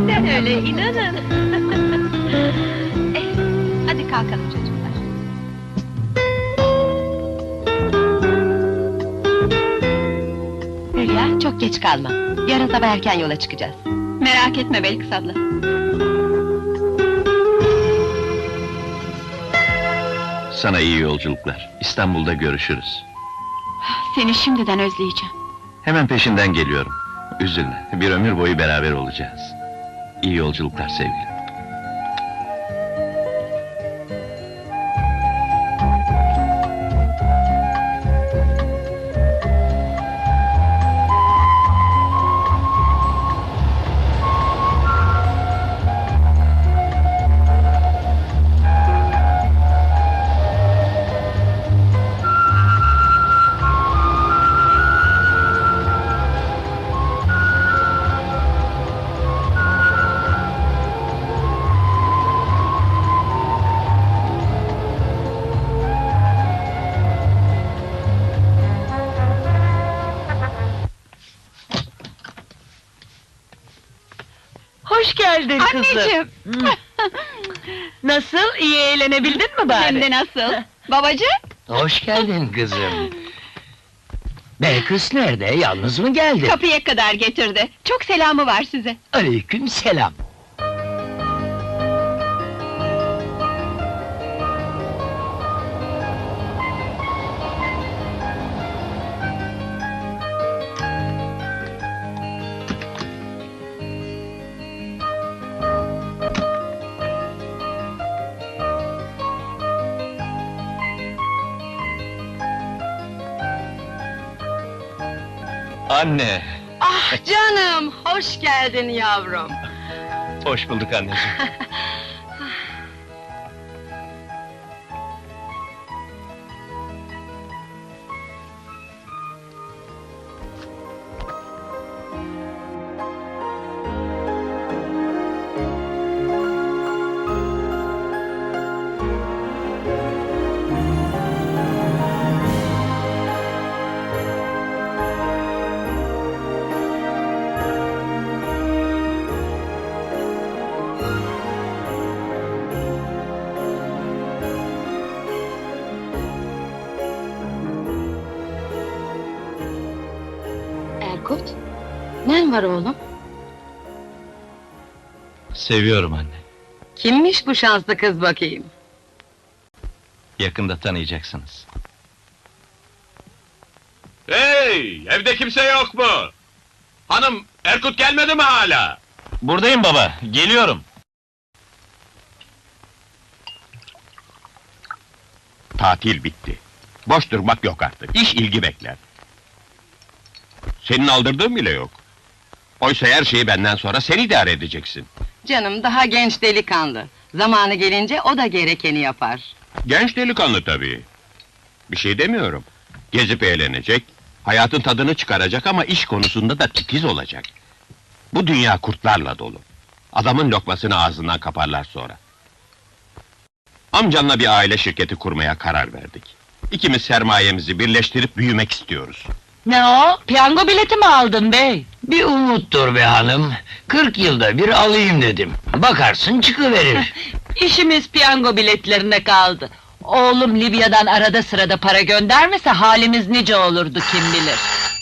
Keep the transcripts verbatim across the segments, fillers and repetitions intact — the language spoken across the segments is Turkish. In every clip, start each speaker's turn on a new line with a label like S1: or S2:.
S1: Gerçekten öyle, inanın! Eh, hadi kalkalım çocuklar. Hülya, çok geç kalma. Yarın sabah erken yola çıkacağız. Merak etme Belkıs abla.
S2: Sana iyi yolculuklar. İstanbul'da görüşürüz.
S1: Seni şimdiden özleyeceğim.
S2: Hemen peşinden geliyorum. Üzülme, bir ömür boyu beraber olacağız. İyi yolculuklar sevgilim.
S3: Hoş geldin kızım.
S1: Anneciğim!
S3: Nasıl, iyi eğlenebildin mi bari?
S1: Hem de nasıl? Babacığım?
S4: Hoş geldin kızım. Belkıs nerede, yalnız mı geldi?
S1: Kapıya kadar getirdi. Çok selamı var size.
S4: Aleyküm selam.
S2: Anne!
S3: Ah canım, hoş geldin yavrum.
S2: Hoş bulduk anneciğim.
S1: Erkut, nen var oğlum?
S2: Seviyorum anne.
S3: Kimmiş bu şanslı kız bakayım?
S2: Yakında tanıyacaksınız.
S5: Hey! Evde kimse yok mu? Hanım, Erkut gelmedi mi hala?
S2: Buradayım baba, geliyorum.
S5: Tatil bitti. Boş durmak yok artık, iş ilgi bekler. Senin aldırdığın bile yok. Oysa her şeyi benden sonra sen idare edeceksin.
S3: Canım, daha genç delikanlı. Zamanı gelince o da gerekeni yapar.
S5: Genç delikanlı tabii. Bir şey demiyorum. Gezip eğlenecek, hayatın tadını çıkaracak ama iş konusunda da titiz olacak. Bu dünya kurtlarla dolu. Adamın lokmasını ağzından kaparlar sonra. Amcanla bir aile şirketi kurmaya karar verdik. İkimiz sermayemizi birleştirip büyümek istiyoruz.
S3: Ne o? Piyango bileti mi aldın bey?
S4: Bir umuttur be hanım. Kırk yılda bir alayım dedim. Bakarsın çıkıverir.
S3: İşimiz piyango biletlerine kaldı. Oğlum Libya'dan arada sırada para göndermese halimiz nice olurdu kim bilir.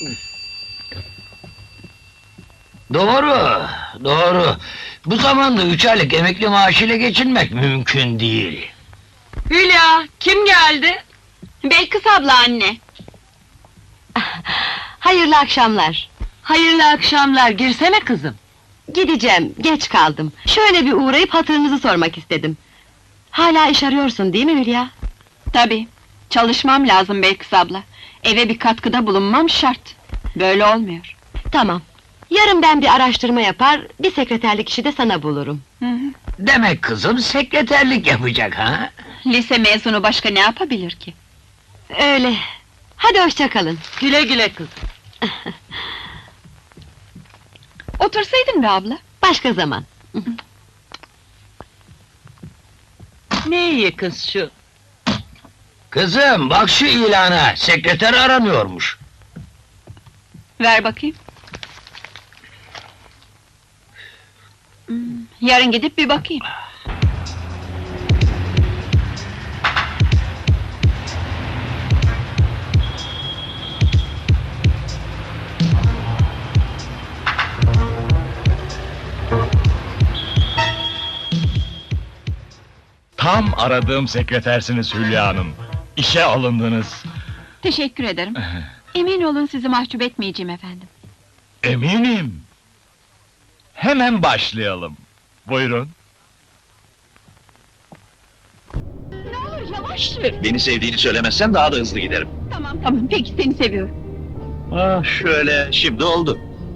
S4: Doğru, doğru. Bu zamanda üç aylık emekli maaşıyla geçinmek mümkün değil.
S3: Hülya, kim geldi?
S1: Belkıs abla anne. Hayırlı akşamlar.
S3: Hayırlı akşamlar, girsene kızım.
S1: Gideceğim, geç kaldım. Şöyle bir uğrayıp hatırınızı sormak istedim. Hala iş arıyorsun değil mi Hülya? Tabii. Çalışmam lazım Belkıs abla. Eve bir katkıda bulunmam şart. Böyle olmuyor. Tamam. Yarın ben bir araştırma yapar, bir sekreterlik işi de sana bulurum. Hı hı.
S4: Demek kızım sekreterlik yapacak ha?
S1: Lise mezunu başka ne yapabilir ki? Öyle. Hadi hoşça kalın.
S3: Güle güle kızım.
S1: Otursaydın be abla. Başka zaman.
S3: Ne iyi kız şu.
S4: Kızım bak şu ilana, sekreter aranıyormuş.
S1: Ver bakayım. Hmm. Yarın gidip bir bakayım.
S6: Tam aradığım sekretersiniz Hülya Hanım. İşe alındınız.
S1: Teşekkür ederim. Emin olun sizi mahcup etmeyeceğim efendim.
S6: Eminim. Hemen başlayalım. Buyurun.
S1: Ne olur yavaş sür.
S2: Beni sevdiğini söylemezsen daha da hızlı giderim.
S1: Tamam tamam, peki seni seviyorum.
S2: Ah şöyle, şimdi oldu.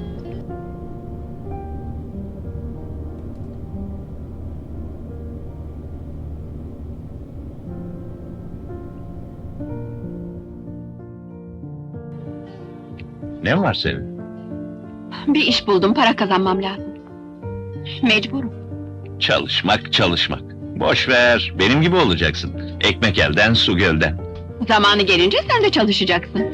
S2: Ne var senin?
S1: Bir iş buldum, para kazanmam lazım. Mecburum.
S2: Çalışmak, çalışmak. Boş ver, benim gibi olacaksın. Ekmek elden, su gölden.
S1: Zamanı gelince sen de çalışacaksın.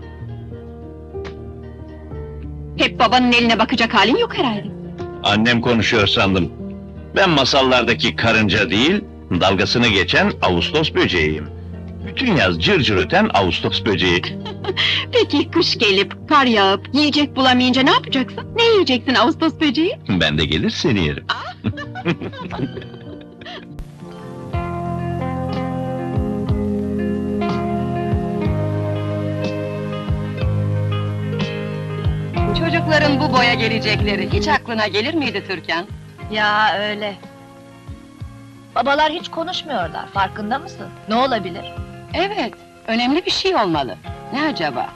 S1: Hep babanın eline bakacak halin yok herhalde.
S2: Annem konuşuyor sandım. Ben masallardaki karınca değil, dalgasını geçen Ağustos böceğiyim. Bütün yaz cır cır öten Ağustos böceği.
S1: Peki kış gelip, kar yağıp, yiyecek bulamayınca ne yapacaksın? Ne yiyeceksin Ağustos böceği?
S2: Ben de gelir seni yerim.
S1: Çocukların bu boya gelecekleri hiç aklına gelir miydi Türkan?
S7: Ya öyle. Babalar hiç konuşmuyorlar, farkında mısın? Ne olabilir?
S1: Evet, önemli bir şey olmalı. Ne acaba?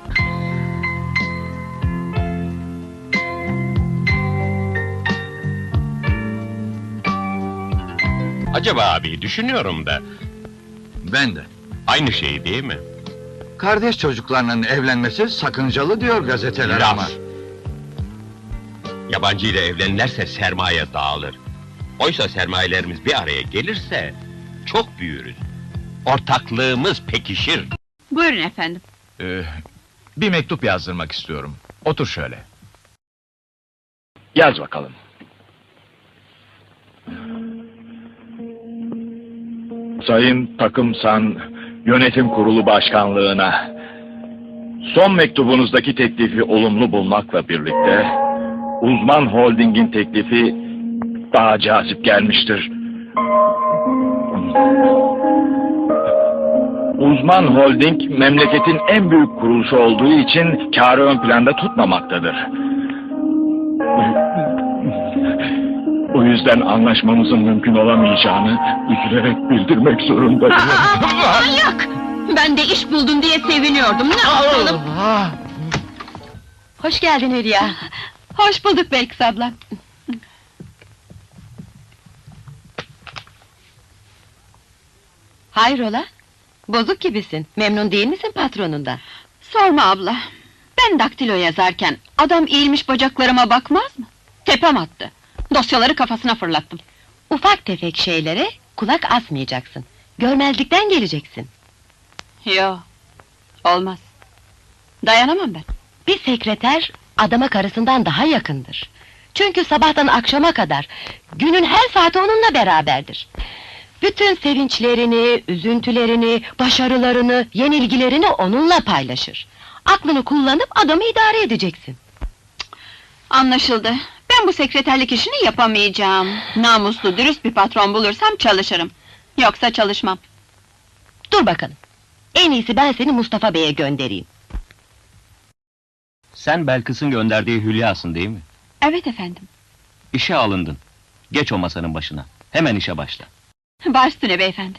S5: Acaba abi, düşünüyorum da,
S8: Ben de.
S5: aynı şey değil mi?
S8: Kardeş çocuklarının evlenmesi sakıncalı diyor gazeteler ama.
S5: Laf! Yabancı ile evlenirlerse sermaye dağılır. Oysa sermayelerimiz bir araya gelirse, çok büyürüz. Ortaklığımız pekişir.
S1: Buyurun efendim.
S6: Ee, bir mektup yazdırmak istiyorum. Otur şöyle. Yaz bakalım. Sayın Takımsan Yönetim Kurulu Başkanlığına son mektubunuzdaki teklifi olumlu bulmakla birlikte Uzman Holding'in teklifi daha cazip gelmiştir. Uzman Holding memleketin en büyük kuruluşu olduğu için kârı ön planda tutmamaktadır. O yüzden anlaşmamızın mümkün olamayacağını üzülerek bildirmek zorundayım.
S1: Manyak! Ben de iş buldun diye seviniyordum, ne yapalım? Hoş geldin Hülya. Hoş bulduk Belkıs abla. Hayrola? Bozuk gibisin, memnun değil misin patronundan? Sorma abla. Ben daktilo yazarken, adam eğilmiş bacaklarıma bakmaz mı? Tepem attı. Dosyaları kafasına fırlattım. Ufak tefek şeylere kulak asmayacaksın. Görmezlikten geleceksin. Yo, olmaz. Dayanamam ben. Bir sekreter, adama karısından daha yakındır. Çünkü sabahtan akşama kadar, günün her saati onunla beraberdir. Bütün sevinçlerini, üzüntülerini, başarılarını, yenilgilerini onunla paylaşır. Aklını kullanıp adamı idare edeceksin. Anlaşıldı. Ben bu sekreterlik işini yapamayacağım. Namuslu, dürüst bir patron bulursam çalışırım. Yoksa çalışmam. Dur bakalım. En iyisi ben seni Mustafa Bey'e göndereyim.
S9: Sen Belkıs'ın gönderdiği Hülya'sın değil mi?
S1: Evet efendim.
S9: İşe alındın. Geç o masanın başına. Hemen işe başla.
S1: Baş üstüne beyefendi.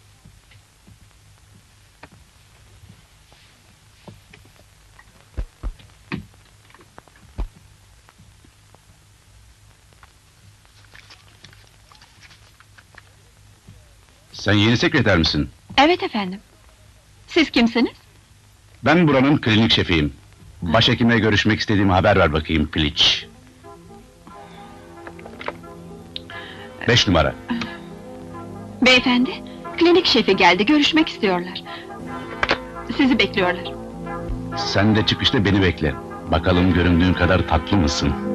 S2: Sen yeni sekreter misin?
S1: Evet efendim. Siz kimsiniz?
S2: Ben buranın klinik şefiyim. Başhekimle görüşmek istediğimi haber ver bakayım Piliç. Beş numara.
S1: Beyefendi, klinik şefi geldi, görüşmek istiyorlar. Sizi bekliyorlar.
S2: Sen de çıkışta beni bekle. Bakalım göründüğün kadar tatlı mısın?